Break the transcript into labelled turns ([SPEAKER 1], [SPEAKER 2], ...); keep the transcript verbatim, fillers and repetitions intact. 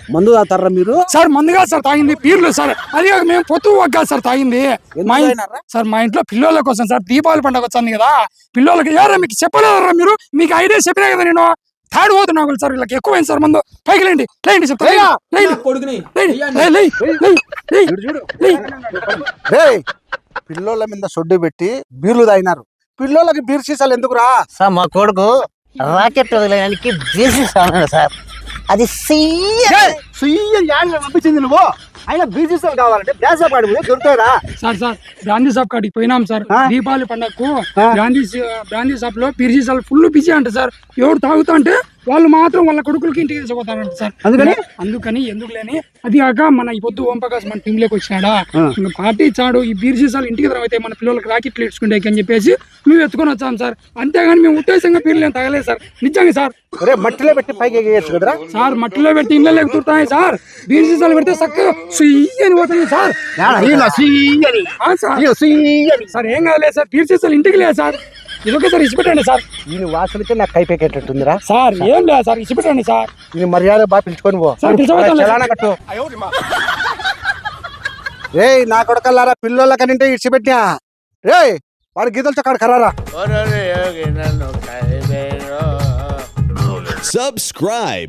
[SPEAKER 1] మందు తాగుతారా మీరు?
[SPEAKER 2] సార్ మందుగా సార్ తాగింది పీర్లు సార్. అది కాక మేము పొత్తు వగ్గా సార్ తాగింది. మా సార్ మా ఇంట్లో పిల్లల కోసం సార్ దీపావళి పండుగ వచ్చింది కదా, పిల్లలకి ఎవరా మీకు చెప్పలేదరా మీరు? మీకు ఐడియా చెప్పినా కదా నేను. థర్డ్ పోతున్నా సార్, వీళ్ళకి ఎక్కువైంది సార్ మందు. పైకి లేండి లేండి చెప్తా.
[SPEAKER 1] పిల్లోళ్ళ మీద సొడ్డు పెట్టి బీర్లు తాగినారు. పిల్లోళ్ళకి బీర్ సీసాలు ఎందుకురా?
[SPEAKER 3] సార్ మా కొడుకు రాకెట్ వదిలేయడానికి బీసీస్ అన్నాడు సార్. అది
[SPEAKER 1] పంపించింది నువ్వు. అయినా బీర్ సీసాలు కావాలంటే బ్యాసా పాడి దొరుకుతారా?
[SPEAKER 2] సార్ సార్ గాంధీ షాప్ కాడికి పోయినాం సార్. దీపావళి పండగకు గాంధీ గాంధీ షాప్ లో బీర్ సీసాలు ఫుల్ బిజీ అంట సార్. ఎవరు తాగుతా అంటే వాళ్ళు మాత్రం వాళ్ళ కొడుకులకి ఇంటికి తీసుకుపోతారంట సార్. అందుకని అందుకని ఎందుకు లేని అది కాక మన ఈ పొద్దు ఓం ప్రకాష్ మన టీమ్ లోకి వచ్చినాడా, పార్టీ ఇచ్చాడు. ఈ బీర్ సీసాలు ఇంటికి అయితే మన పిల్లలకి రాకెట్లు ఇచ్చుకుంటే అని చెప్పేసి మేము ఎత్తుకొని వచ్చాం సార్. అంతేగాని మేము ఉద్దేశంగా బీర్లు ఏం తగలేదు సార్. నిజంగా సార్.
[SPEAKER 1] మట్టిలో పెట్టి పైకి ఎగేయచ్చు కదరా
[SPEAKER 2] సార్? మట్టిలో పెట్టి ఇళ్ళ ఎక్కుతాయి సార్. బీర్ సీసాలు పెడితే చక్కగా అని పోతుంది సార్. సార్ ఏం కాలేదు సార్, బీర్ సీసాలు ఇంటికి లేదు సార్. ఇదొకే సార్ ఇచ్చిపెట్టండి సార్.
[SPEAKER 1] దీని వాసనకే నాకు కైపెక్కేటట్టుందిరా
[SPEAKER 2] సార్. ఏం లేదు సార్, ఇచ్చిపెట్టండి సార్.
[SPEAKER 1] దీని మర్యాద బాగా పిలుచుకొని పో. చలానా కట్టు. రే నా కొడకల్లారా, పిల్లల కనింటే ఇచ్చిపెట్టినా రే వాడు గీతలతో కాడు కరారా.
[SPEAKER 4] Subscribe.